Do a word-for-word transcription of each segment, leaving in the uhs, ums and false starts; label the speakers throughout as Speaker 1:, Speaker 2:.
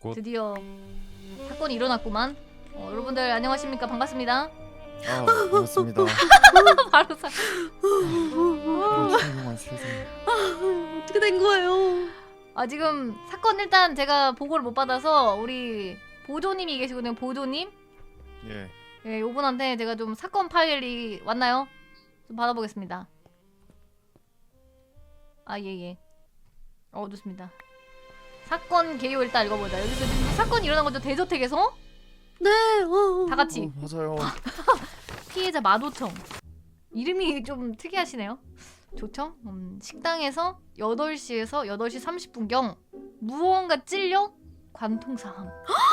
Speaker 1: 곧.
Speaker 2: 드디어 사건이 일어났구만. 어, 여러분들 안녕하십니까? 반갑습니다.
Speaker 1: 아 반갑습니다.
Speaker 2: 바로 사.
Speaker 1: 훌륭한 세상.
Speaker 3: 어떻게 된 거예요?
Speaker 2: 아 지금 사건 일단 제가 보고를 못 받아서 우리 보조님이 계시거든요. 보조님.
Speaker 1: 예.
Speaker 2: 예, 요분한테 제가 좀 사건 파일이 왔나요? 좀 받아보겠습니다. 아 예예. 어 좋습니다. 사건 개요 일단 읽어보자. 여기서 지금 사건이 일어난 거죠? 대저택에서?
Speaker 3: 네. 어,
Speaker 2: 다 같이.
Speaker 1: 어, 맞아요.
Speaker 2: 피해자 마도청. 이름이 좀 특이하시네요. 조청? 음, 식당에서 여덟 시에서 여덟 시 삼십 분경 무언가 찔려 관통사함.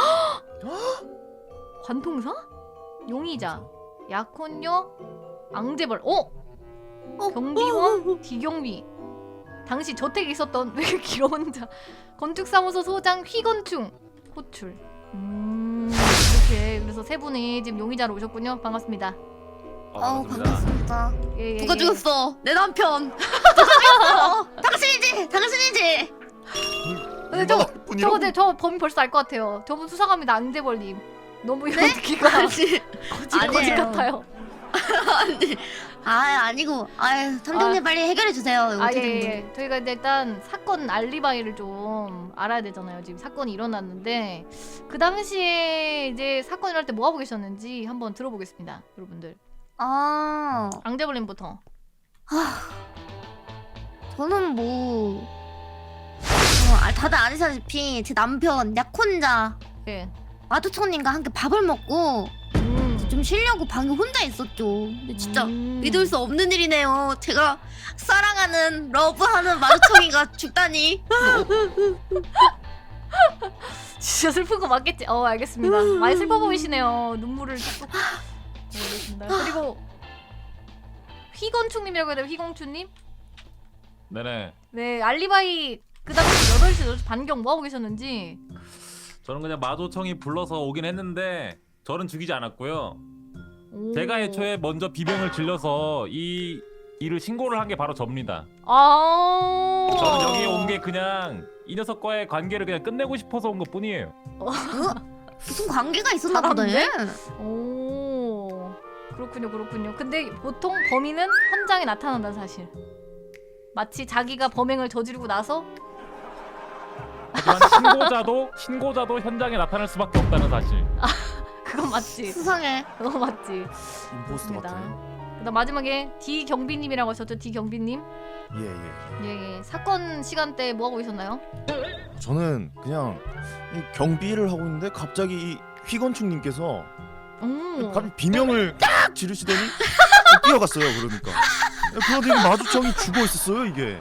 Speaker 2: 관통사? 용의자, 약혼녀, 앙제벌. 어?
Speaker 3: 어,
Speaker 2: 경비원,
Speaker 3: 어, 어,
Speaker 2: 디경비. 당시 저택에 있었던 왜 이렇게 길어 혼자. 건축사무소 소장 휘건충 호출. 음 이렇게 그래서 세 분이 지금 용의자로 오셨군요. 반갑습니다.
Speaker 3: 어, 반갑습니다.
Speaker 2: 예, 예,
Speaker 3: 누가
Speaker 2: 예.
Speaker 3: 죽였어? 내 남편. 누가 죽였어? 당신이지, 당신이지.
Speaker 2: 근데 저, 저 근데 저 범인 벌써 알 것 같아요. 저분 수사갑니다. 앙제벌님. 너무 이런
Speaker 3: 네?
Speaker 2: 느낌가
Speaker 3: 아니,
Speaker 2: 거짓 거짓
Speaker 3: 아니에요.
Speaker 2: 같아요.
Speaker 3: 아니, 아 아니고, 아 탐정님
Speaker 2: 아.
Speaker 3: 빨리 해결해 주세요. 이거
Speaker 2: 아
Speaker 3: 어떻게 된
Speaker 2: 예,
Speaker 3: 거예요?
Speaker 2: 예. 저희가 이제 일단 사건 알리바이를 좀 알아야 되잖아요. 지금 사건이 일어났는데 그 당시에 이제 사건 일어날 때 뭐 하고 계셨는지 한번 들어보겠습니다, 여러분들.
Speaker 3: 아,
Speaker 2: 앙제벌님부터.
Speaker 3: 저는 뭐, 어, 아, 다들 아시다시피 제 남편 약혼자
Speaker 2: 예.
Speaker 3: 마두청님과 함께 밥을 먹고
Speaker 2: 음.
Speaker 3: 좀 쉬려고 방에 혼자 있었죠. 근데 진짜
Speaker 2: 음.
Speaker 3: 믿을 수 없는 일이네요. 제가 사랑하는 러브하는 마두청이가 죽다니.
Speaker 2: 진짜 슬픈 거 맞겠지? 어 알겠습니다. 많이 슬퍼 보이시네요. 눈물을 뚝뚝. 네, 알겠습니다. 그리고 휘건충님이라고 해야 돼요. 휘건충님?
Speaker 4: 네네.
Speaker 2: 네 알리바이 그 당시 여덟 시 여덟 시 반경 뭐 하고 계셨는지.
Speaker 4: 저는 그냥 마도청이 불러서 오긴 했는데 저는 죽이지 않았고요.
Speaker 2: 오.
Speaker 4: 제가 애초에 먼저 비명을 질러서 이 일을 신고를 한 게 바로 접니다.
Speaker 2: 아.
Speaker 4: 저는 여기 온 게 그냥 이 녀석과의 관계를 그냥 끝내고 싶어서 온 것뿐이에요.
Speaker 3: 무슨 관계가 있었나 보네.
Speaker 2: 오. 그렇군요, 그렇군요. 근데 보통 범인은 현장에 나타난다는 사실. 마치 자기가 범행을 저지르고 나서
Speaker 4: 하지만 신고자도 신고자도 현장에 나타날 수밖에 없다는 사실.
Speaker 2: 그건 맞지.
Speaker 3: 수상해.
Speaker 2: 그건 맞지.
Speaker 1: 임포스터
Speaker 2: 맞습니다.
Speaker 1: 같아요.
Speaker 2: 그다음 마지막에 D 경비님이라고 하셨죠. D 경비님.
Speaker 1: 예예.
Speaker 2: 예, 예. 사건 시간대 뭐 하고 있었나요?
Speaker 1: 저는 그냥 이 경비를 하고 있는데 갑자기 이 휘건축님께서
Speaker 2: 음.
Speaker 1: 갑자기 비명을 딱 지르시더니 뛰어갔어요. 그러니까. 그러더니 마주청이 죽어 있었어요 이게.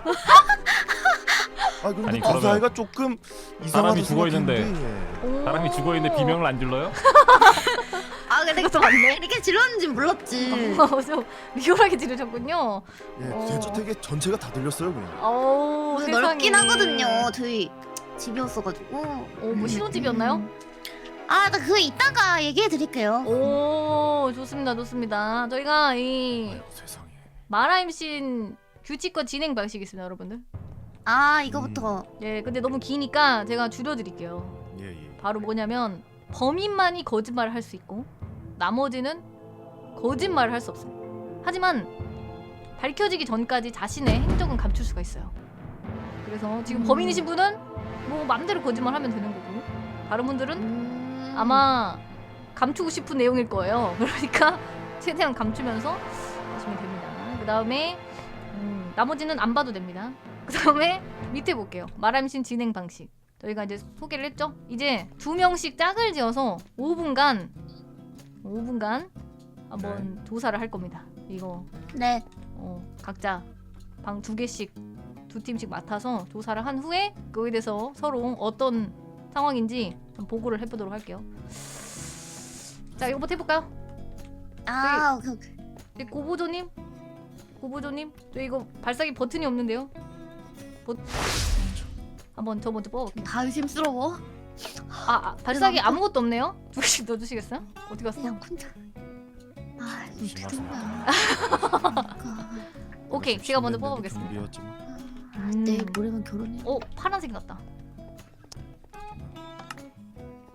Speaker 1: 아 근데
Speaker 4: 아니,
Speaker 1: 그
Speaker 4: 그러면
Speaker 1: 사이가 조금 이상하다
Speaker 4: 사람이 죽어 있는데.
Speaker 1: 생각했는데, 예.
Speaker 2: 오.
Speaker 4: 사람이 죽어 있는데 비명을 안 질러요?
Speaker 3: 아 근데
Speaker 2: 그것도 맞네.
Speaker 3: 이렇게 질렀는지 몰랐지.
Speaker 2: 어, 좀 리얼하게 지르셨군요.
Speaker 1: 예,
Speaker 2: 어.
Speaker 1: 대저택에 전체가 다 들렸어요 그냥.
Speaker 2: 오,
Speaker 3: 오늘
Speaker 2: 세상에.
Speaker 3: 넓긴 하거든요. 저희 집이었어가지고.
Speaker 2: 오, 뭐 신혼집이었나요?
Speaker 3: 아, 나 그거 이따가 얘기해 드릴게요.
Speaker 2: 오, 좋습니다, 좋습니다. 저희가 이
Speaker 1: 아이고, 세상에.
Speaker 2: 마라임신 규칙과 진행 방식이 있습니다, 여러분들.
Speaker 3: 아, 이거부터.
Speaker 2: 예, 근데 너무 기니까 제가 줄여드릴게요.
Speaker 1: 예 예.
Speaker 2: 바로 뭐냐면 범인만이 거짓말을 할 수 있고 나머지는 거짓말을 할 수 없습니다. 하지만 밝혀지기 전까지 자신의 행적은 감출 수가 있어요. 그래서 지금
Speaker 3: 음.
Speaker 2: 범인이신 분은 뭐 맘대로 거짓말하면 되는 거고 다른 분들은
Speaker 3: 음...
Speaker 2: 아마 감추고 싶은 내용일 거예요. 그러니까 최대한 감추면서 하시면 됩니다. 그 다음에 음, 나머지는 안 봐도 됩니다. 그 다음에 밑에 볼게요. 마람신 진행 방식. 저희가 이제 소개를 했죠? 이제 두 명씩 짝을 지어서 오 분간 오 분간 한번 조사를 할 겁니다. 이거
Speaker 3: 네.
Speaker 2: 어, 각자 방 두 개씩 두 팀씩 맡아서 조사를 한 후에 그거에 대해서 서로 어떤 상황인지 좀 보고를 해보도록 할게요. 자, 이거부터 해볼까요?
Speaker 3: 아, 오케이, 오케이.
Speaker 2: 네, 고보조님, 고보조님, 저 이거 발사기 버튼이 없는데요. 버... 한번 저 먼저 뽑아볼게요.
Speaker 3: 다 의심스러워.
Speaker 2: 아, 아 발사기
Speaker 3: 그럼
Speaker 2: 아무것도 없네요. 두 개씩 넣어주시겠어요? 어디 갔어?
Speaker 3: 그냥 혼자. 아, 이거 어떻게 된 거야.
Speaker 2: 오케이, 제가 먼저 뽑아보겠습니다.
Speaker 1: 경비였지만.
Speaker 3: 아, 내일 모레면 결혼해.
Speaker 2: 오, 파란색 같다.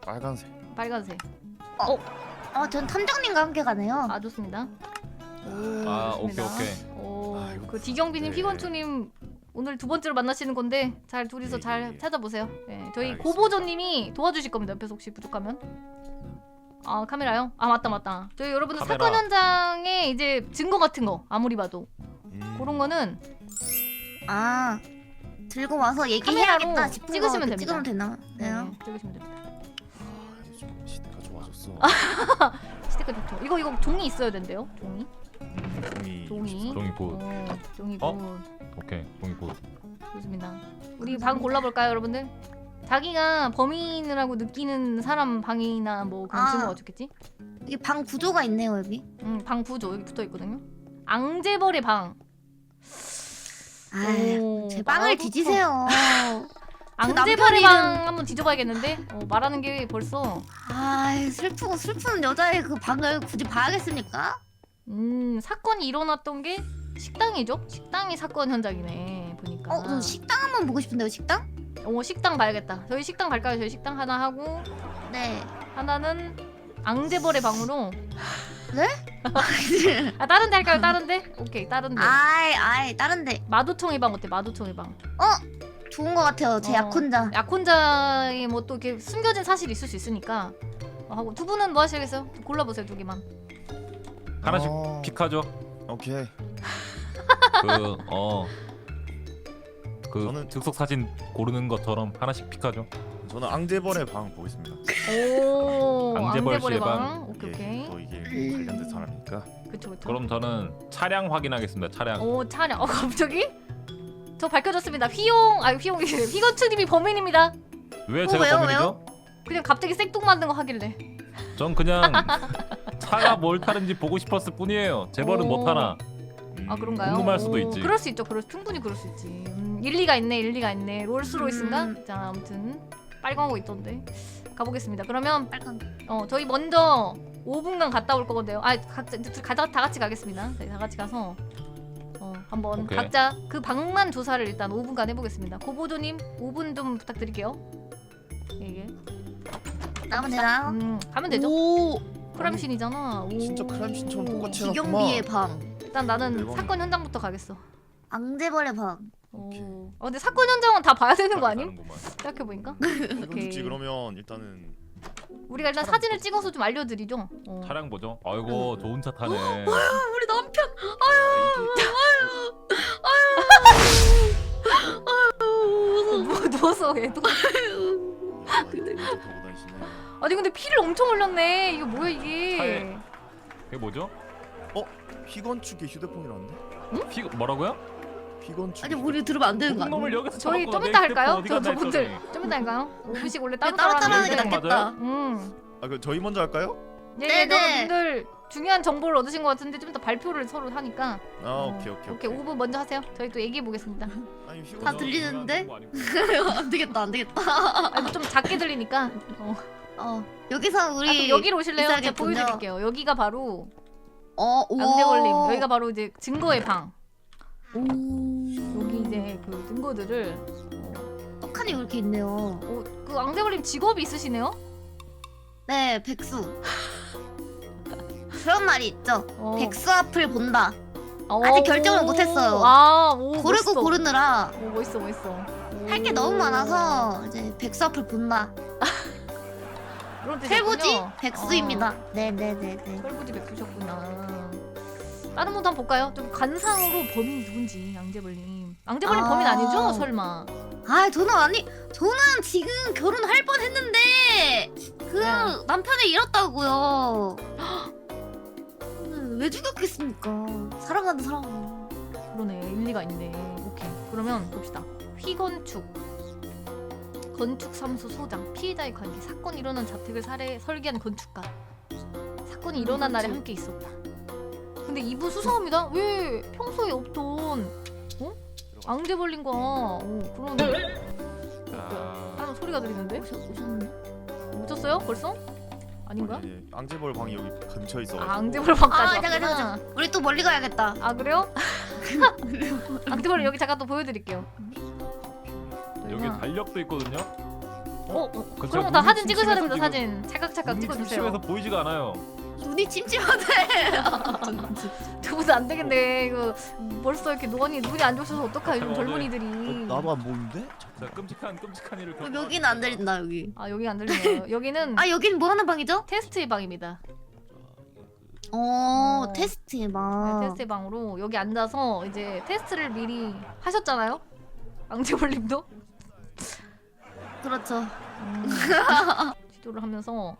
Speaker 1: 빨간색.
Speaker 2: 빨간색.
Speaker 3: 어, 전 탐정님과 함께 가네요.
Speaker 2: 아 좋습니다.
Speaker 4: 아 오케이
Speaker 2: 좋습니다.
Speaker 4: 오케이.
Speaker 2: 오,
Speaker 1: 아, 이거
Speaker 2: 그 디경비님,
Speaker 1: 네.
Speaker 2: 피건추님 오늘 두 번째로 만나시는 건데 잘 둘이서
Speaker 1: 예,
Speaker 2: 잘
Speaker 1: 예, 예.
Speaker 2: 찾아보세요. 네, 저희
Speaker 1: 알겠습니다.
Speaker 2: 고보조님이 도와주실 겁니다. 옆에서 혹시 부족하면. 아 카메라요? 아 맞다 맞다. 저희 여러분들
Speaker 4: 카메라.
Speaker 2: 사건 현장에 이제 증거 같은 거 아무리 봐도
Speaker 1: 음.
Speaker 2: 그런 거는
Speaker 3: 아, 들고 와서 얘기해야겠다
Speaker 2: 카메라로
Speaker 3: 싶은
Speaker 2: 찍으시면
Speaker 3: 거
Speaker 2: 됩니다.
Speaker 3: 찍으면 되나?
Speaker 2: 네,
Speaker 3: 네요.
Speaker 2: 찍으시면 됩니다.
Speaker 1: 아, 요즘 시대가 좋아졌어.
Speaker 2: 스티커 좋죠. 이거 이거 종이 있어야 된대요. 종이.
Speaker 1: 종이.
Speaker 2: 종이.
Speaker 4: 종이 굿.
Speaker 2: 오, 종이
Speaker 4: 어?
Speaker 2: 굿.
Speaker 4: 오케이 종이 굿.
Speaker 2: 좋습니다. 우리 방 골라볼까요, 여러분들? 자기가 범인이라고 느끼는 사람 방이나 뭐 그런
Speaker 3: 아.
Speaker 2: 증거가 좋겠지?
Speaker 3: 이게 방 구조가 있네요 여기.
Speaker 2: 음, 방 구조 여기 붙어 있거든요. 앙제벌의 방.
Speaker 3: 아,
Speaker 2: 오,
Speaker 3: 제 방을
Speaker 2: 나도
Speaker 3: 뒤지세요.
Speaker 2: 앙제벌의
Speaker 3: 남편
Speaker 2: 방 한번 뒤져봐야겠는데? 어, 말하는 게 벌써
Speaker 3: 아, 슬프고 슬픈 여자의 그 방을 굳이 봐야겠습니까?
Speaker 2: 음 사건이 일어났던 게 식당이죠? 식당이 사건 현장이네 보니까.
Speaker 3: 어, 저 식당 한번 보고 싶은데요 식당?
Speaker 2: 어, 식당 봐야겠다. 저희 식당 갈까요? 저희 식당 하나 하고
Speaker 3: 네.
Speaker 2: 하나는 앙제벌의 방으로.
Speaker 3: 네?
Speaker 2: 아 다른 데 할까요? 다른 데? 오케이 다른 데.
Speaker 3: 아이, 아이, 다른데.
Speaker 2: 마두청의 방 어때? 마두청의 방.
Speaker 3: 좋은 거 같아요. 제
Speaker 2: 어.
Speaker 3: 약혼자.
Speaker 2: 약혼자의 뭐 또 이렇게 숨겨진 사실이 있을 수 있으니까 어, 하고 두 분은 뭐 하시겠어요? 골라보세요 두 개만.
Speaker 4: 하나씩
Speaker 1: 어,
Speaker 4: 픽하죠.
Speaker 1: 오케이.
Speaker 4: 그어 그
Speaker 1: 저는-
Speaker 4: 즉석 사진 고르는 것처럼 하나씩 픽하죠.
Speaker 1: 저는 앙제벌의 방 보겠습니다.
Speaker 2: 오
Speaker 4: 앙제벌
Speaker 2: 앙제벌의
Speaker 4: 씨의
Speaker 2: 방.
Speaker 4: 방.
Speaker 2: 오케이
Speaker 1: 이게
Speaker 2: 오케이.
Speaker 1: 또 이게 관련된 사람이니까.
Speaker 2: 그쵸 그쵸.
Speaker 4: 그럼 저는 차량 확인하겠습니다. 차량.
Speaker 2: 오 차량. 어 갑자기? 저 밝혀졌습니다. 휘용 아 휘용이 휘건추님이 범인입니다.
Speaker 4: 왜
Speaker 3: 어,
Speaker 4: 제가
Speaker 3: 왜요,
Speaker 4: 범인이죠?
Speaker 2: 그냥 갑자기 생뚱맞는 거 하길래.
Speaker 4: 전 그냥 차가 뭘 타는지 보고 싶었을 뿐이에요. 재벌은
Speaker 2: 오.
Speaker 4: 못 타나.
Speaker 1: 음,
Speaker 2: 아 그런가요?
Speaker 4: 궁금할 수도
Speaker 2: 오,
Speaker 4: 있지.
Speaker 2: 그럴 수 있죠. 그럴 충분히 그럴 수 있지. 음, 일리가 있네. 일리가 있네. 롤스로이스인가?
Speaker 3: 음.
Speaker 2: 자 아무튼 빨간 거 있던데. 가보겠습니다. 그러면
Speaker 3: 빨간.
Speaker 2: 어 저희 먼저 오 분간 갔다 올 거거든요. 아 각자 가다 다 같이 가겠습니다. 저희 다 같이 가서 어 한번
Speaker 4: 오케이.
Speaker 2: 각자 그 방만 조사를 일단 오 분간 해보겠습니다. 고보조님 오 분 좀 부탁드릴게요. 이게
Speaker 3: 나면 되나요?
Speaker 2: 음 가면 되죠.
Speaker 3: 오,
Speaker 2: 크라임씬이잖아. 오.
Speaker 1: 진짜 크라임씬처럼 똑같이
Speaker 3: 기경비의
Speaker 1: 해놨구만.
Speaker 3: 방.
Speaker 2: 일단 나는
Speaker 1: 대박이다.
Speaker 2: 사건 현장부터 가겠어.
Speaker 3: 앙제벌의 방.
Speaker 2: 오.
Speaker 1: 오케이.
Speaker 2: 어, 근데 사건 현장은 다 봐야 되는 거 아님?
Speaker 4: 가는구만.
Speaker 2: 생각해 보니까.
Speaker 1: 이거지 그러면 일단은
Speaker 2: 우리가 일단 사진을 찍어서 좀 알려드리죠. 어.
Speaker 4: 차량 보죠. 아이고 좋은 차 타네.
Speaker 3: 우리 남편.
Speaker 2: 누워 누워서 얘도.
Speaker 1: 이거 타고 다니시네.
Speaker 2: 아니 근데 피를 엄청 흘렸네. 이거 뭐야 이게?
Speaker 4: 차에- 그게 뭐죠?
Speaker 1: 피건축의 휴대폰이라는데?
Speaker 4: 피 뭐라고요?
Speaker 1: 피건축.
Speaker 3: 아니 우리 들으면 안 되는 거
Speaker 4: 놈을
Speaker 3: 아니야?
Speaker 4: 여기서
Speaker 2: 저희
Speaker 4: 잡았구나.
Speaker 2: 좀
Speaker 4: 내
Speaker 2: 이따
Speaker 4: 휴대폰
Speaker 2: 할까요?
Speaker 4: 어디
Speaker 2: 저
Speaker 4: 갔나
Speaker 2: 저분들
Speaker 4: 했더니.
Speaker 2: 좀 이따 할까요? 오 분씩 원래 따로
Speaker 3: 따로
Speaker 2: 따로
Speaker 3: 따로 하는 게
Speaker 4: 하는 게
Speaker 3: 낫겠다.
Speaker 2: 음.
Speaker 1: 아, 그 저희 먼저 할까요?
Speaker 2: 예,
Speaker 3: 네네.
Speaker 2: 여러분들 중요한 정보를 얻으신 것 같은데 좀 이따 발표를 서로 하니까.
Speaker 1: 아,
Speaker 2: 어,
Speaker 1: 오케이 오케이
Speaker 2: 오케이 오 분 먼저 하세요. 저희 또 얘기해 보겠습니다.
Speaker 1: 아니, 피곤-
Speaker 3: 다 들리는데?
Speaker 4: 중요한 정보 아니고.
Speaker 3: 안 되겠다, 안 되겠다.
Speaker 2: 아니 좀 작게 들리니까. 어.
Speaker 3: 어, 여기서
Speaker 2: 아,
Speaker 3: 우리
Speaker 2: 그럼 여기로 오실래요? 제가
Speaker 3: 있어야겠군요.
Speaker 2: 보여드릴게요. 여기가 바로
Speaker 3: 어, 오.
Speaker 2: 앙대걸림. 여기가 바로 이제 증거의 방.
Speaker 3: 오.
Speaker 2: 여기 이제 그 증거들을.
Speaker 3: 떡하니 이렇게 있네요.
Speaker 2: 어, 그 앙대걸림 직업이 있으시네요?
Speaker 3: 네, 백수. 그런 말이 있죠.
Speaker 2: 어.
Speaker 3: 백수 앞을 본다.
Speaker 2: 어,
Speaker 3: 아직 결정을 못했어요.
Speaker 2: 아, 오,
Speaker 3: 고르고
Speaker 2: 멋있어.
Speaker 3: 고르느라
Speaker 2: 오, 멋있어, 멋있어.
Speaker 3: 할 게 너무 많아서 이제 백수 앞을 본다.
Speaker 2: 그런
Speaker 3: 철부지
Speaker 2: 뜻이었군요.
Speaker 3: 백수입니다. 네, 네, 네, 네.
Speaker 2: 어, 철부지 백수셨구나. 다른 분도 한번 볼까요? 좀 관상으로 범인 누군지 앙제벌님. 앙제벌님
Speaker 3: 아.
Speaker 2: 범인 아니죠? 설마.
Speaker 3: 아, 저는 아니, 저는 지금 결혼할 뻔했는데 그
Speaker 2: 네.
Speaker 3: 남편을 잃었다고요. 저는 왜 죽였겠습니까? 사랑하는 사람을.
Speaker 2: 그러네, 일리가 있네. 오케이. 그러면 봅시다. 휘건축. 건축사무소 소장. 피해자의 관계. 사건이 일어난 자택을 살해, 설계한 건축가. 사건이 일어난 날에 함께 있었다. 근데 이분 수상합니다. 왜 평소에 없던 어? 앙제벌린과 어, 그런
Speaker 4: 자,
Speaker 2: 사람 소리가 들리는데?
Speaker 3: 오셨, 오셨네.
Speaker 2: 오셨어요? 벌써? 아닌가?
Speaker 1: 예, 앙제벌 방이 여기 근처에 있어.
Speaker 2: 아, 앙제벌 방까지
Speaker 3: 아, 잠깐,
Speaker 2: 왔구나.
Speaker 3: 잠깐, 잠깐. 우리 또 멀리 가야겠다.
Speaker 2: 아 그래요? 앙제벌 여기 잠깐 또 보여드릴게요.
Speaker 4: 여기
Speaker 2: 저희가-
Speaker 4: 달력도 있거든요.
Speaker 2: 어, 어.
Speaker 4: 그쵸,
Speaker 2: 그럼 다
Speaker 4: 눈이
Speaker 2: 사진 찍으셔야
Speaker 4: 침침해서
Speaker 2: 됩니다.
Speaker 4: 지금-
Speaker 2: 사진 찰칵찰칵 찍어주세요.
Speaker 4: 심심해서 보이지가 않아요.
Speaker 3: 눈이 찜찜하대.
Speaker 2: 두 분도 안 되겠네. 이거 벌써 이렇게 노안이 눈이 안 좋으셔서 어떡해 요즘
Speaker 4: 어,
Speaker 2: 젊은이들이.
Speaker 1: 나도 안 보이는데?
Speaker 4: 자, 끔찍한 끔찍한 일을
Speaker 3: 그럼
Speaker 4: 겪어.
Speaker 3: 여기는 안 들린다 여기.
Speaker 2: 아 여기 안 들리네요. 여기는
Speaker 3: 아 여기는 뭐 하는 방이죠?
Speaker 2: 테스트의 방입니다.
Speaker 3: 어,
Speaker 2: 어.
Speaker 3: 테스트
Speaker 2: 네,
Speaker 3: 방.
Speaker 2: 테스트의 방으로 여기 앉아서 이제 테스트를 미리 하셨잖아요. 앙제볼님도
Speaker 3: 그렇죠.
Speaker 2: 음, 지도를 하면서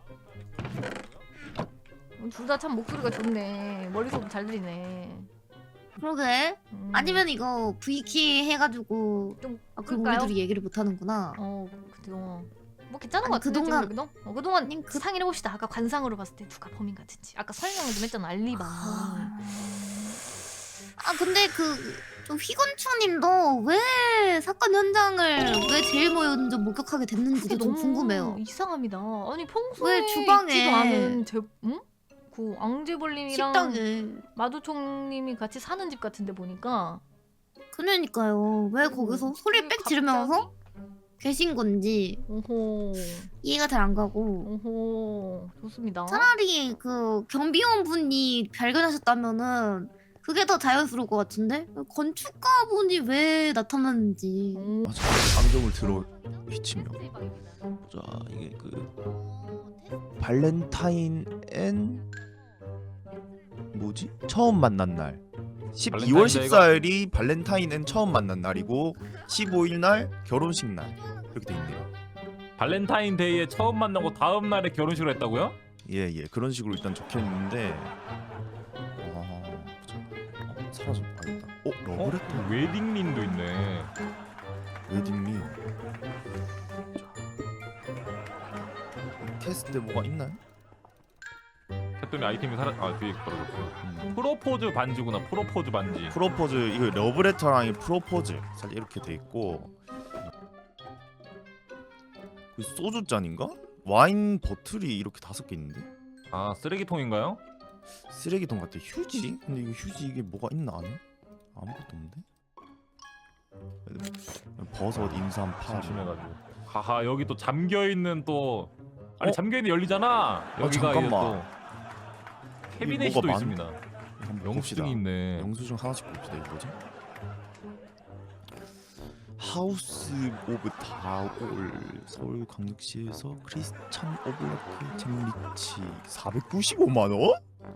Speaker 2: 둘 다 참 목소리가 좋네. 머릿속 잘 들리네.
Speaker 3: 그러게.
Speaker 2: 음.
Speaker 3: 아니면 이거 V키 해가지고.
Speaker 2: 좀
Speaker 3: 아 그럼
Speaker 2: 끌까요?
Speaker 3: 우리들이 얘기를 못 하는구나.
Speaker 2: 어, 그죠. 뭐 괜찮은
Speaker 3: 아니,
Speaker 2: 것 같은데
Speaker 3: 그동안-
Speaker 2: 지금 여기도? 어, 그동안
Speaker 3: 아니, 그-
Speaker 2: 상의를 해봅시다. 아까 관상으로 봤을 때 누가 범인 같은지. 아까 설명을 좀 했잖아. 알리방.
Speaker 3: 아, 아 근데 그 휘건추님도 왜 사건 현장을 왜 제일 먼저 목격하게 됐는지도 좀 궁금해요.
Speaker 2: 이상합니다. 아니 평소에
Speaker 3: 왜 주방에-
Speaker 2: 있지도 않은 제, 응? 그 앙제볼님이랑
Speaker 3: 식당에.
Speaker 2: 마두총님이 같이 사는 집 같은데 보니까
Speaker 3: 그러니까요. 왜 거기서 소리 빽
Speaker 2: 갑자기?
Speaker 3: 지르면서 계신 건지
Speaker 2: 오호
Speaker 3: 이해가 잘 안 가고.
Speaker 2: 오호 좋습니다.
Speaker 3: 차라리 그 경비원 분이 발견하셨다면은 그게 더 자연스러울 것 같은데 건축가 분이 왜 나타났는지.
Speaker 2: 오.
Speaker 1: 맞아. 안경을 들어 비치며.
Speaker 2: 테스트의 방입니다.
Speaker 1: 자 이게 그 발렌타인 앤 뭐지? 처음 만난 날. 십이월
Speaker 4: 발렌타인데이가-
Speaker 1: 십사일이 발렌타인 앤 처음 만난 날이고 십오일 날 결혼식 날 이렇게 돼 있네요.
Speaker 4: 발렌타인데이에 처음 만나고 다음 날에 결혼식을 했다고요?
Speaker 1: 예예 그런 식으로 일단 적혀 있는데. 어, 어 사라졌다. 아니다. 어
Speaker 4: 어?
Speaker 1: 러브레터
Speaker 4: 웨딩린도 있네.
Speaker 1: 웨딩리. 테스트 때 뭐가 있나요?
Speaker 4: 했더니 아이템이 사라. 아 뒤에 떨어졌어요.
Speaker 1: 음.
Speaker 4: 프로포즈 반지구나. 프로포즈 반지.
Speaker 1: 프로포즈 이거 러브레터랑 이 프로포즈 살짝 이렇게 돼 있고 그 소주 잔인가? 와인 버틀이 이렇게 다섯 개 있는데
Speaker 4: 아 쓰레기통인가요?
Speaker 1: 쓰레기통 같아. 휴지? 근데 이거 휴지 이게 뭐가 있나 안에? 아무것도 없는데? 버섯, 인삼, 파.
Speaker 4: 심심해가지고. 하하 여기 또 잠겨 있는 또 아니
Speaker 1: 어?
Speaker 4: 잠겨 있는 열리잖아. 여기가 이게 또
Speaker 1: 잠깐만.
Speaker 4: 캐비넷이
Speaker 1: 뭐가
Speaker 4: 또
Speaker 1: 많-
Speaker 4: 있습니다.
Speaker 1: 한번 봅시다.
Speaker 4: 영수증이 있네.
Speaker 1: 영수증 하나씩 봅시다. 이거 뭐지? 하우스 오브 다올 서울광역시에서 크리스찬 오블라크 잼리치 사백구십오만 원?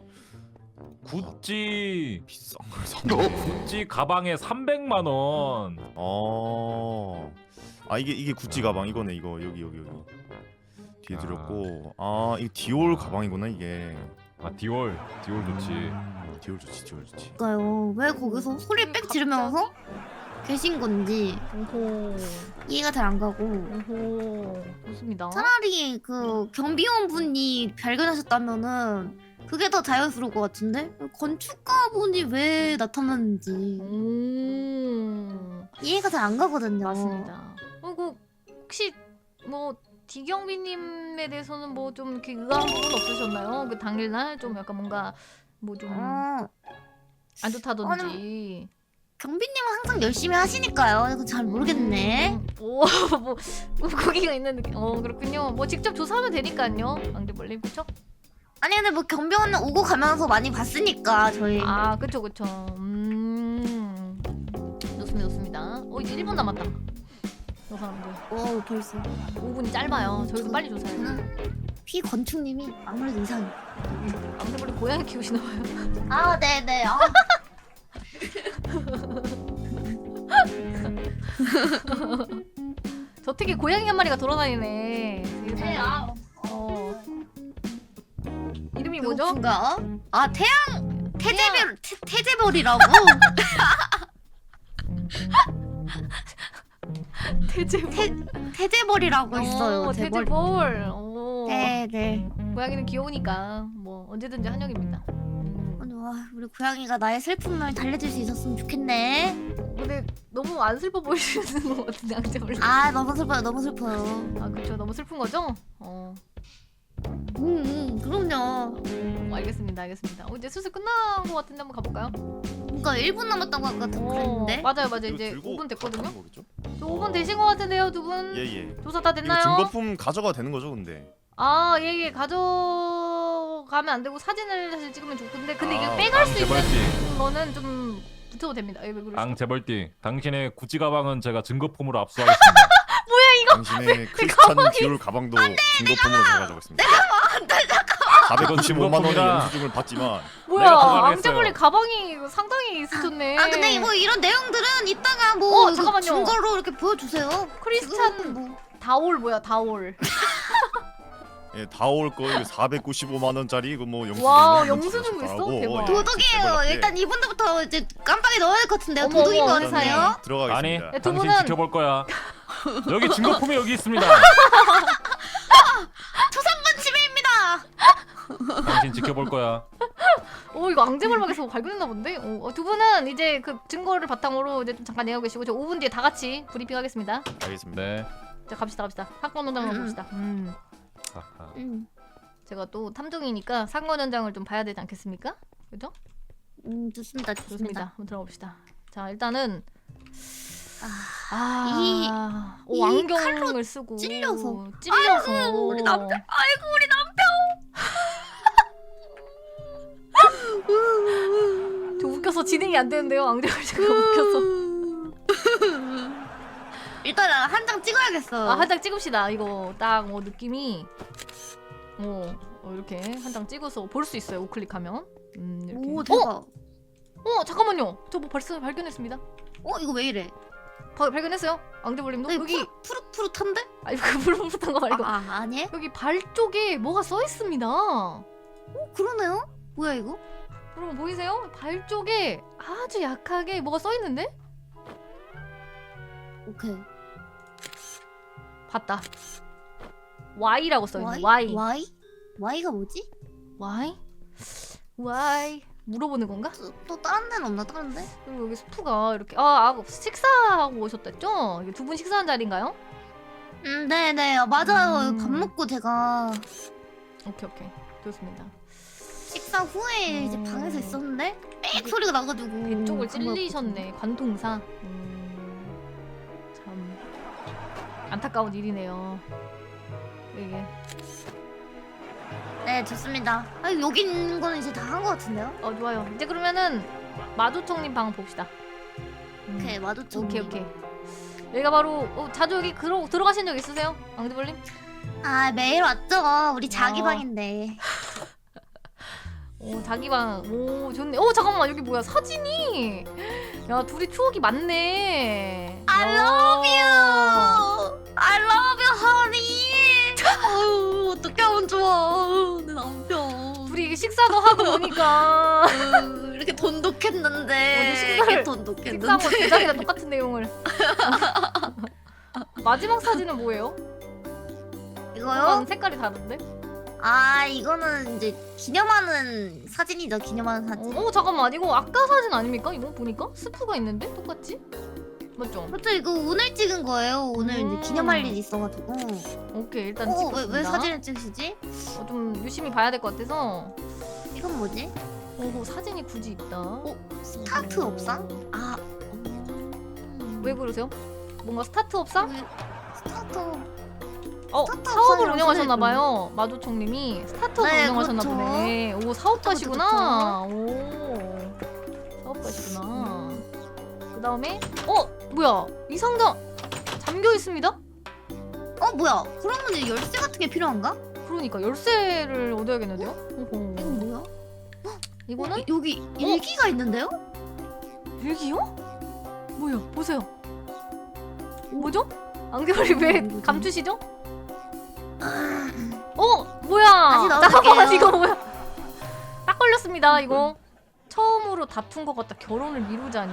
Speaker 4: 구찌
Speaker 1: 비싼 걸 샀네.
Speaker 4: 구찌 가방에 삼백만 원.
Speaker 1: 어. 아 이게 이게 구찌 가방 이거네 이거 여기 여기 여기 뒤에
Speaker 4: 아.
Speaker 1: 들었고 아 이게 디올 가방이구나 이게.
Speaker 4: 아 디올 디올 좋지.
Speaker 1: 음, 디올 좋지 디올 좋지.
Speaker 3: 그러니까요. 왜 거기서 소리 빽 지르면서 계신 건지
Speaker 2: 오호
Speaker 3: 이해가 잘 안 가고.
Speaker 2: 오호 좋습니다.
Speaker 3: 차라리 그 경비원 분이 발견하셨다면은 그게 더 자연스러울 것 같은데 건축가 분이 왜 나타났는지
Speaker 2: 음
Speaker 3: 이해가 잘 안 가거든요.
Speaker 2: 맞습니다. 그리고 혹시 뭐 디경비님에 대해서는 뭐 좀 이렇게 의아한 부분 없으셨나요? 그 당일날 좀 약간 뭔가 뭐 좀 안
Speaker 3: 어,
Speaker 2: 좋다든지.
Speaker 3: 경비님은 항상 열심히 하시니까요. 이거 잘 모르겠네.
Speaker 2: 음, 오, 뭐 거기가 있는 느낌. 어 그렇군요. 뭐 직접 조사하면 되니까요. 앙대벌님 그쵸?
Speaker 3: 아니 근데 뭐 경비원은 오고 가면서 많이 봤으니까 저희.
Speaker 2: 아 그쵸 그쵸. 음 좋습니다 좋습니다. 어 이제 일 분 남았다. 저 사람들
Speaker 3: 오 벌써.
Speaker 2: 오 분이 짧아요. 저희도 빨리 조사해요.
Speaker 3: 저는 피 건축님이 아무래도 이상해.
Speaker 2: 앙대벌님 고양이 키우시나 봐요.
Speaker 3: 아 네네. 아.
Speaker 2: 저 특히 고양이 한 마리가 돌아다니네.
Speaker 3: 네, 아.
Speaker 2: 어. 이름이 뭐죠?
Speaker 3: 배고픈가? 아 태양 태재별 태, 태재별이라고.
Speaker 2: 태재볼.
Speaker 3: 태 태재벌이라고 있어요.
Speaker 2: 어,
Speaker 3: 재벌.
Speaker 2: 태재볼. 오.
Speaker 3: 네네.
Speaker 2: 고양이는 귀여우니까 뭐 언제든지 환영입니다. 음.
Speaker 3: 아니 와 우리 고양이가 나의 슬픔을 달래줄 수 있었으면 좋겠네.
Speaker 2: 근데 너무 안 슬퍼 보이시는 것 같은데 앙제벌.
Speaker 3: 아 너무 슬퍼요 너무 슬퍼요.
Speaker 2: 아 그렇죠. 너무 슬픈 거죠? 어.
Speaker 3: 음, 음 그럼요.
Speaker 2: 어, 알겠습니다. 알겠습니다. 어, 이제 슬슬 끝난 것 같은데 한번 가볼까요?
Speaker 3: 그러니까 일 분 남았다고 아까
Speaker 2: 어,
Speaker 3: 그랬는데.
Speaker 2: 맞아요, 맞아요.
Speaker 1: 이거
Speaker 2: 이제
Speaker 1: 들고
Speaker 2: 오 분 됐거든요.
Speaker 1: 가는 거겠죠?
Speaker 2: 저 오 분 되신 것 같은데요, 두 분?
Speaker 1: 예예.
Speaker 2: 조사 다
Speaker 1: 이거
Speaker 2: 됐나요?
Speaker 1: 증거품 가져가 되는 거죠, 근데?
Speaker 2: 아, 예, 예. 가져가면 안 되고 사진을 사실 찍으면 좋은데 근데 이게
Speaker 1: 아,
Speaker 2: 빼갈 수 있는
Speaker 4: 재벌띠,
Speaker 2: 거는 좀 붙여도 됩니다. 예, 왜 그러시죠?
Speaker 4: 앙 재벌띠, 당신의 구찌 가방은 제가 증거품으로 압수하겠습니다.
Speaker 1: 당신의 크리스찬 디올 가방도 증거품으로 제가 가져가겠습니다. 사백구십오만 원의
Speaker 4: 증거품이라.
Speaker 1: 영수증을 받지만
Speaker 2: 뭐야,
Speaker 4: 내가 가져가겠어요.
Speaker 2: 앙제벌리 가방이 상당히 있으셨네.
Speaker 3: 아 근데 뭐 이런 내용들은 이따가 뭐
Speaker 2: 어,
Speaker 3: 이거
Speaker 2: 잠깐만요.
Speaker 3: 증거로 이렇게 보여주세요.
Speaker 2: 크리스찬
Speaker 3: 지금은 뭐.
Speaker 2: 다올 뭐야, 다올.
Speaker 1: 예, 다 올 거 이거 사백구십오만 원짜리 이거 뭐 영수증
Speaker 2: 와,
Speaker 1: 이런 거
Speaker 2: 영수증도 있어?
Speaker 1: 하고,
Speaker 2: 대박.
Speaker 1: 예,
Speaker 3: 도둑이에요.
Speaker 1: 재벌한테
Speaker 3: 일단 이분들부터 이제 깜빡이 넣어야 될 것 같은데요.
Speaker 2: 어머,
Speaker 3: 도둑인
Speaker 2: 어머,
Speaker 3: 거
Speaker 2: 세상에.
Speaker 3: 같아요.
Speaker 4: 아니
Speaker 1: 들어가겠습니다.
Speaker 2: 네, 두
Speaker 4: 당신
Speaker 2: 분은-
Speaker 4: 지켜볼 거야. 여기 증거품이 여기 있습니다.
Speaker 3: 초상권 침해입니다.
Speaker 4: 당신 지켜볼 거야.
Speaker 2: 오, 이거 앙제벌막에서 발견했나 본데? 오, 어, 두 분은 이제 그 증거를 바탕으로 이제 좀 잠깐 내고 계시고 저 오 분 뒤에 다 같이 브리핑 하겠습니다.
Speaker 1: 알겠습니다.
Speaker 4: 네.
Speaker 2: 자, 갑시다, 갑시다. 사건 현장을
Speaker 3: 음.
Speaker 2: 봅시다. 음.
Speaker 4: 아하.
Speaker 3: 음,
Speaker 2: 제가 또 탐정이니까 사건 현장을 좀 봐야 되지 않겠습니까? 그죠?
Speaker 3: 음 좋습니다. 좋습니다.
Speaker 2: 좋습니다. 한번 들어봅시다. 자, 일단은
Speaker 3: 아,
Speaker 2: 아,
Speaker 3: 이-
Speaker 2: 오,
Speaker 3: 이
Speaker 2: 안경을 쓰고
Speaker 3: 찔려서.
Speaker 2: 찔려서
Speaker 3: 아이고, 우리 남편. 아이고 우리
Speaker 2: 저 웃겨서 진행이 안 되는데요. 앙제벌 씨가 웃겨서.
Speaker 3: 일단 한 장 찍어야겠어.
Speaker 2: 아, 한 장 찍읍시다. 이거 딱 뭐 느낌이 어, 어 이렇게 한 장 찍어서 볼 수 있어요. 우클릭하면. 음, 이렇게.
Speaker 3: 오 대박.
Speaker 2: 어, 어, 잠깐만요. 저 뭐 발견 발견했습니다.
Speaker 3: 어 이거 왜 이래?
Speaker 2: 바, 발견했어요. 앙제벌님도
Speaker 3: 여기
Speaker 2: 여기
Speaker 3: 푸릇 푸릇한데?
Speaker 2: 아니 그 푸릇푸릇한 거 말고
Speaker 3: 아, 아 아니에요?
Speaker 2: 여기 발 쪽에 뭐가 써 있습니다.
Speaker 3: 어 그러네요. 뭐야 이거?
Speaker 2: 여러분 보이세요? 발 쪽에 아주 약하게 뭐가 써 있는데?
Speaker 3: 오케이.
Speaker 2: 봤다. Y라고 써 있는.
Speaker 3: Y?
Speaker 2: Y.
Speaker 3: Y? Y가 뭐지?
Speaker 2: Y? Y. 물어보는 건가?
Speaker 3: 또, 또 다른 데는 없나 다른 데?
Speaker 2: 그리고 여기 스프가 이렇게 아, 아 식사하고 오셨댔죠? 이게 두 분 식사한 자리인가요?
Speaker 3: 음 네네 아, 맞아요.
Speaker 2: 음.
Speaker 3: 밥 먹고 제가
Speaker 2: 오케이 오케이 좋습니다.
Speaker 3: 식사 후에 이제
Speaker 2: 음.
Speaker 3: 방에서 있었는데 빽
Speaker 2: 이게
Speaker 3: 소리가 나가지고
Speaker 2: 배 쪽을
Speaker 3: 간 거였거든요.
Speaker 2: 찔리셨네. 관통사. 음, 참 안타까운 일이네요. 이게
Speaker 3: 네 좋습니다. 아 여기 있는 거는 이제 다 한 거 같은데요?
Speaker 2: 어 좋아요. 이제 그러면은 마두총님 방 봅시다. 음,
Speaker 3: 오케이 마두총.
Speaker 2: 오케이 오케이. 여기가 바로 어, 자주 여기 들어 들어가신 적 있으세요, 앙드벌님?
Speaker 3: 아 매일 왔죠. 우리 자기
Speaker 2: 어.
Speaker 3: 방인데.
Speaker 2: 오 자기 방. 오 좋네. 오 잠깐만 여기 뭐야 사진이? 야 둘이 추억이 많네.
Speaker 3: I
Speaker 2: 야.
Speaker 3: love you. I love you, honey. 아유 어떻게 하면 좋아. 내 남편.
Speaker 2: 둘이 이게 식사도 하고 노니까
Speaker 3: 아유, 이렇게 돈독했는데.
Speaker 2: 식사를-
Speaker 3: 이렇게
Speaker 2: 식사하고
Speaker 3: 돈독했는데.
Speaker 2: 제작이랑 똑같은 내용을. 마지막 사진은 뭐예요?
Speaker 3: 이거요?
Speaker 2: 약간 색깔이 다른데?
Speaker 3: 아 이거는 이제 기념하는 사진이죠. 기념하는 사진.
Speaker 2: 어, 어 잠깐만 이거 아까 사진 아닙니까? 이거 보니까 스프가 있는데 똑같지? 맞죠?
Speaker 3: 그렇죠. 이거 오늘 찍은 거예요. 오늘
Speaker 2: 음.
Speaker 3: 이제 기념할 일이 있어가지고.
Speaker 2: 오케이 일단
Speaker 3: 어, 왜,
Speaker 2: 찍겠습니다.
Speaker 3: 왜 사진을 찍으시지?
Speaker 2: 어, 좀 유심히 봐야 될 것 같아서.
Speaker 3: 이건 뭐지?
Speaker 2: 어 사진이 굳이 있다.
Speaker 3: 어? 스타트
Speaker 2: 어.
Speaker 3: 업상? 아. 음.
Speaker 2: 왜 그러세요? 뭔가 스타트 업상?
Speaker 3: 여기 스타트.
Speaker 2: 어
Speaker 3: 스타트
Speaker 2: 사업을
Speaker 3: 업상이라고
Speaker 2: 운영하셨나봐요. 마두총님이 스타트업을
Speaker 3: 네,
Speaker 2: 운영하셨나
Speaker 3: 그렇죠.
Speaker 2: 보네. 오 사업가시구나. 오 사업가시구나. 그 다음에 어 뭐야 이 상자 잠겨 있습니다.
Speaker 3: 어 뭐야? 그러면 이제 열쇠 같은 게 필요한가?
Speaker 2: 그러니까 열쇠를 얻어야겠는데요? 오호.
Speaker 3: 이건 뭐야?
Speaker 2: 이거는
Speaker 3: 어, 여기 일기가 있는데요?
Speaker 2: 일기요? 뭐야 보세요. 뭐죠? 안경이 왜
Speaker 3: 뭐지?
Speaker 2: 감추시죠?
Speaker 3: 아,
Speaker 2: 어 뭐야?
Speaker 3: 다시 넣어줄게요.
Speaker 2: 잠깐만 이거 뭐야? 딱 걸렸습니다 이거. 처음으로 다툰 것 같다. 결혼을 미루자니.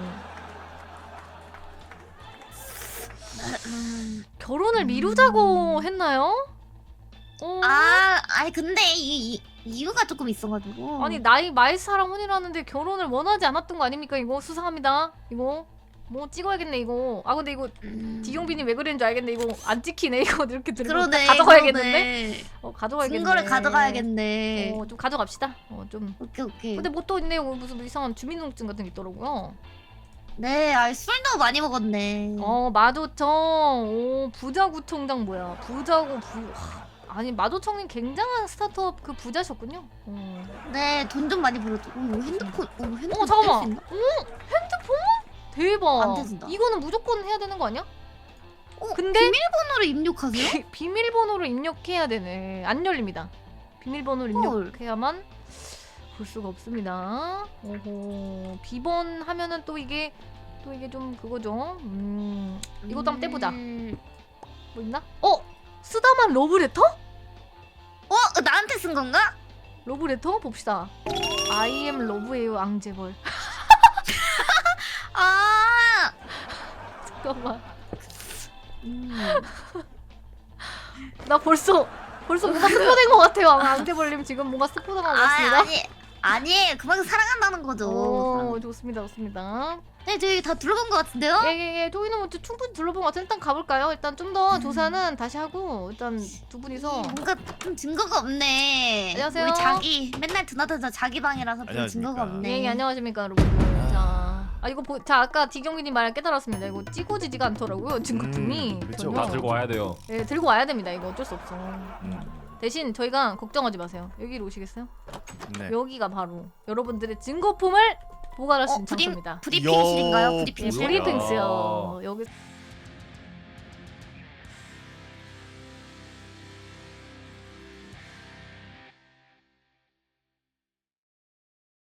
Speaker 3: 음.
Speaker 2: 결혼을 미루자고 했나요? 어?
Speaker 3: 아, 아니 근데 이, 이 이유가 조금 있어가지고.
Speaker 2: 아니 나이 많은 사람 혼이라는데 결혼을 원하지 않았던 거 아닙니까 이거? 수상합니다 이거. 뭐 찍어야겠네 이거. 아 근데 이거
Speaker 3: 음.
Speaker 2: 디용빈이 왜 그랬는 줄 알겠네. 이거 안 찍히네 이거. 이렇게 들고
Speaker 3: 그러네.
Speaker 2: 가져가야겠는데?
Speaker 3: 그러네.
Speaker 2: 어 가져가야겠네.
Speaker 3: 증거를 가져가야겠네.
Speaker 2: 어, 좀 가져갑시다. 어 좀.
Speaker 3: 오케이 오케이.
Speaker 2: 근데 뭐 또 있네. 어, 무슨 이상한 주민등록증 같은 게 있더라고요.
Speaker 3: 네, 아 술도 많이 먹었네.
Speaker 2: 어 마도청. 오 부자구청장 뭐야? 부자고 부. 하, 아니 마도청님 굉장한 스타트업 그 부자셨군요. 어.
Speaker 3: 네, 돈 좀 많이 벌었죠. 오, 이거 핸드폰, 오, 핸드폰
Speaker 2: 어 잠깐만.
Speaker 3: 뗄수 있나?
Speaker 2: 오 핸드폰? 대박.
Speaker 3: 안 떼진다.
Speaker 2: 이거는 무조건 해야 되는 거 아니야?
Speaker 3: 어,
Speaker 2: 근데
Speaker 3: 비밀번호를 입력하세요?
Speaker 2: 비, 비밀번호를 입력해야 되네. 안 열립니다. 비밀번호를
Speaker 3: 헐.
Speaker 2: 입력해야만 볼 수가 없습니다. 오호. 비번 하면은 또 이게 또 이게 좀 그거죠. 음. 이것도 한번 떼보자.
Speaker 3: 음,
Speaker 2: 뭐 있나? 어 쓰다만 러브레터?
Speaker 3: 어, 나한테 쓴 건가?
Speaker 2: 러브레터 봅시다. I am 러브예요 앙제벌.
Speaker 3: 아,
Speaker 2: 잠깐만.
Speaker 3: 음.
Speaker 2: 나 벌써 벌써 뭔가 스포된 것 같아요. 앙제벌님 지금 뭔가 스포당한 것
Speaker 3: 아,
Speaker 2: 같습니다.
Speaker 3: 아니, 아니, 그만큼 사랑한다는 거죠.
Speaker 2: 오 좋습니다 좋습니다.
Speaker 3: 네, 저희 다 들어본 것 같은데요?
Speaker 2: 예예예 저희는 뭐 충분히 둘러본 것 같아요. 일단 가볼까요? 일단 좀 더 조사는 다시 하고 일단 두 분이서
Speaker 3: 뭔가 좀 증거가 없네.
Speaker 2: 안녕하세요.
Speaker 3: 우리 자기 맨날 드나드나 자기 방이라서 별
Speaker 1: 안녕하십니까.
Speaker 3: 증거가 없네.
Speaker 2: 예, 예 안녕하십니까 여러분들. 자, 아 이거 보, 자 아까 디경민님 말 깨달았습니다. 이거 찍어지지가 않더라고요 증거품이.
Speaker 1: 음, 그쵸.
Speaker 2: 전혀.
Speaker 4: 다 들고 와야 돼요.
Speaker 2: 예 들고 와야 됩니다. 이거 어쩔 수 없어.
Speaker 1: 음.
Speaker 2: 대신 저희가 걱정하지 마세요. 여기로 오시겠어요?
Speaker 1: 네.
Speaker 2: 여기가 바로 여러분들의 증거품을 보관할 수
Speaker 3: 어,
Speaker 2: 있는
Speaker 3: 브리,
Speaker 2: 장소입니다.
Speaker 3: 브리핑실인가요?
Speaker 1: 이야,
Speaker 3: 브리핑실?
Speaker 1: 뭐야?
Speaker 2: 브리핑스요. 여기